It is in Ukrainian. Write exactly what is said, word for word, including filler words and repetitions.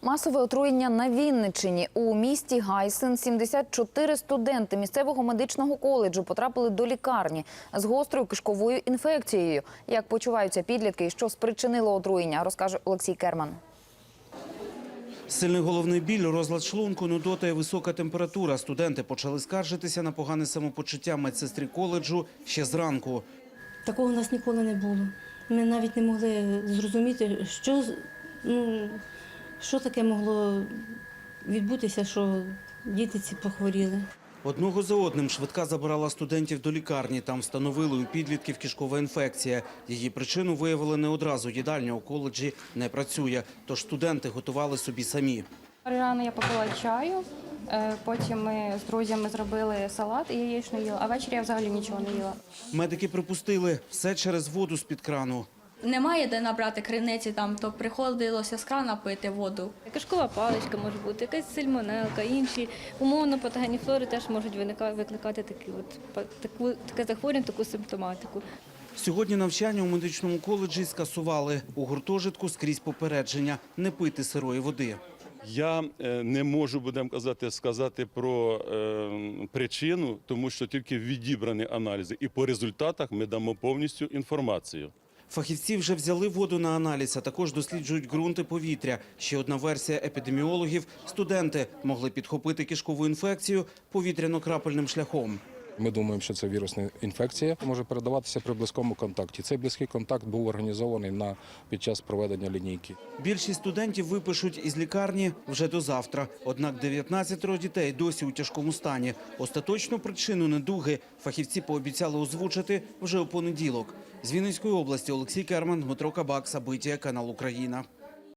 Масове отруєння на Вінниччині. У місті Гайсин сімдесят чотири студенти місцевого медичного коледжу потрапили до лікарні з гострою кишковою інфекцією. Як почуваються підлітки і що спричинило отруєння, розкаже Олексій Керман. Сильний головний біль, розлад шлунку, нудота і висока температура. Студенти почали скаржитися на погане самопочуття медсестрі коледжу ще зранку. Такого у нас ніколи не було. Ми навіть не могли зрозуміти, що, ну, що таке могло відбутися, що діти ці похворіли. Одного за одним швидка забирала студентів до лікарні. Там встановили у підлітків кишкова інфекція. Її причину виявили не одразу. Їдальня у коледжі не працює, тож студенти готували собі самі. Рано я попила чаю, потім ми з друзями зробили салат і яєчню їла, а ввечері я взагалі нічого не їла. Медики припустили – все через воду з-під крану. Немає де набрати криниці, там, то приходилося з крана пити воду. Кишкова паличка може бути, якась сальмонелка, інші умовно патогенні флори теж можуть викликати такі от, таку, таке захворювання, таку симптоматику. Сьогодні навчання у медичному коледжі скасували. У гуртожитку скрізь попередження – не пити сирої води. Я не можу, будемо казати, сказати про е, причину, тому що тільки відібрані аналізи. І по результатах ми дамо повністю інформацію. Фахівці вже взяли воду на аналіз, а також досліджують ґрунт і повітря. Ще одна версія епідеміологів – студенти могли підхопити кишкову інфекцію повітряно-крапельним шляхом. Ми думаємо, що це вірусна інфекція, може передаватися при близькому контакті. Цей близький контакт був організований на, під час проведення лінійки. Більшість студентів випишуть із лікарні вже до завтра. Однак дев'ятнадцятеро дітей досі у тяжкому стані. Остаточну причину недуги фахівці пообіцяли озвучити вже у понеділок. З Вінницької області Олексій Керман, Дмитро Кабак, Сабиття, канал Україна.